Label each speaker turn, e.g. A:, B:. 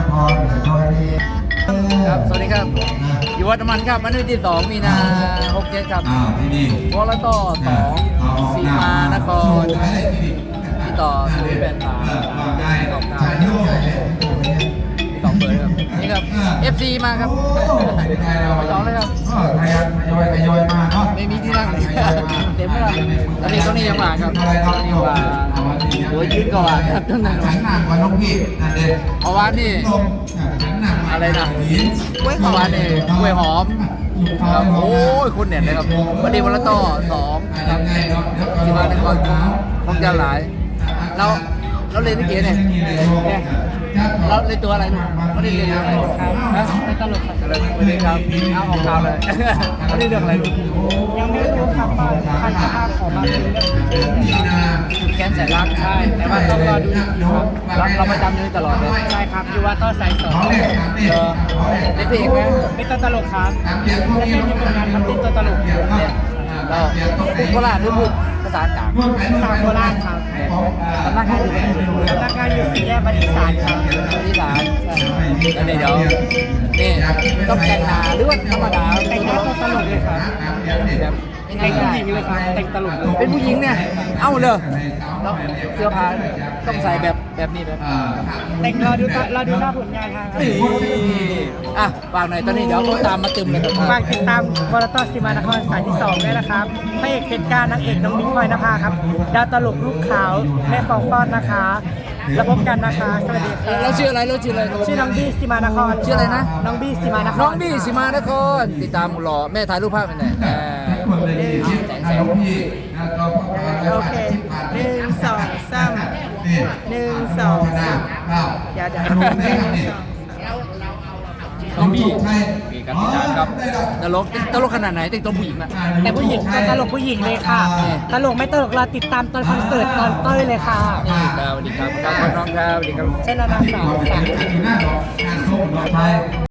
A: ครับสวัสดีครับอยู่วัดมันครับวันที่2 มีนา67ครับวอลต่อ2สีมานครที่ต่อ0832เบอร์ครับนี่ครับ FC มาครับไปสองเลยครับทยอยมาเนาะไม่มีที่นั่งเลยเต็มแล้วตอนนี้เขานี่ยังมาครับนี่ว่าหัวยืดก่อนครับตั้งแต่ฉันหนักกว่าน้องพี่นั่นเองเพราะว่านี่อะไรนะกล้วยหอมนี่กล้วยหอมครับโอ้ยคุณเนี่ยนะครับวันนี้วันละต่อ2ครับที่มานครคงจะหลายเราเรียนที่เกียร์เนี่ยเราเรียนตัวอะไรลูกไม่ได้เรียนอะไรฮะไม่ตลกครับไม่ได้ครับเอาออกข่าวเลยไม่ได้เรื่องอะไรลูก
B: ยังไม่รู้ครับว่าพันธภาพของมันเป็นเรื่อง
A: จุดแกนแสนรักใช่แต่ว่าต้องรอดูครับเราประจำอยู่ตลอดเลย
B: ใช่ครับอยู่ว่าต้อสาย2
A: เป็นเพลงไหม
B: เป็นตัวตลกครับจะเป็นผลงานทำเป็นตัวตลก
A: เราพูดโคราชหรือพูดภาษากลาง
B: ภาษาโคราชครับ
A: สำนักงานอยู่
B: สำนักงานอยู่สี่แยกบริษัทครับ
A: บริษัทแล้วเดี๋ยวนี่ต้องแต่งหน้าหรือว่าธรรมดา
B: แต่งหน้าตัวตลกเลยครับ
A: แบบ
B: แต่งผู้หญิงเลยครับแต่งตลก
A: เป็นผู้หญิงเนี่ยเอ้าเลยแล้วเสื้อผ้าต้องใส่แบบนี้เลย
B: แต่งรอดูหน้าผลงานทาง
A: อ่ะฝากหน่อยตอนนี้เดี๋ยวตามมาตึมเลยครับ
B: ฝากติดตามวอลต่อสีมานครสายที่2ด้วยนะครับพระเอกเพชรการนางเอกน้องมิ้งพลอยนภาครับดาวตลกลูกขาวแม่ฟองฟ้อนนะคะแล้วพบกันนะคะสวัสดีครับ
A: เราชื่ออะไร
B: ชื่อน้องบี้สีมานคร
A: ชื่ออะไรนะ
B: น้องบี้สีมานคร
A: น้องบี้สีมานครติดตามหล่อแม่ถ่ายรูปภาพเป็นไง
B: โอเค1 2 3 1 2 3อย่า
A: น้องบี้มีการติดตามครับตลกขนาดไหนแต่งตัวผู้หญิงอะ
B: แต่ผู้หญิงตลกผู้หญิงเลยค่ะตลกไม่ตลกเราติดตามตอนคอนเสิร์ตตอนเต้ยเลยค่ะ
A: สวัสดีครับน้องครับสวัสดีครับ
B: เช่นระดับ2